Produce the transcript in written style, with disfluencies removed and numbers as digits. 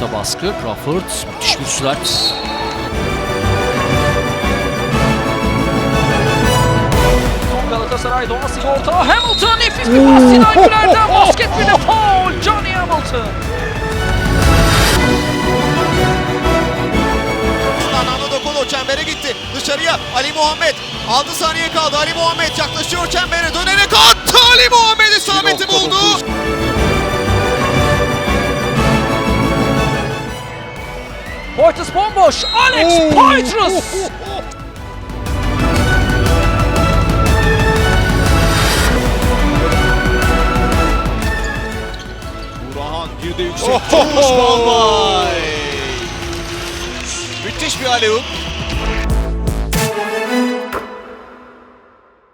Orta baskı. Crawford müthiş bir sürat. Galatasaray doğası orta. Hamilton nefis bir pas. Sinan Güler'den basket bir de foul. Johnny Hamilton. Fernando Dokolo çembere gitti. Dışarıya Ali Muhammed. 6 saniye kaldı. Ali Muhammed yaklaşıyor çembere. Dönerek attı. Ali Muhammed isabeti buldu. Poitras bomboş. Alex Poitras. Burhan bir de yüksek. Tutmuş Balbay. Müthiş bir alley-oop.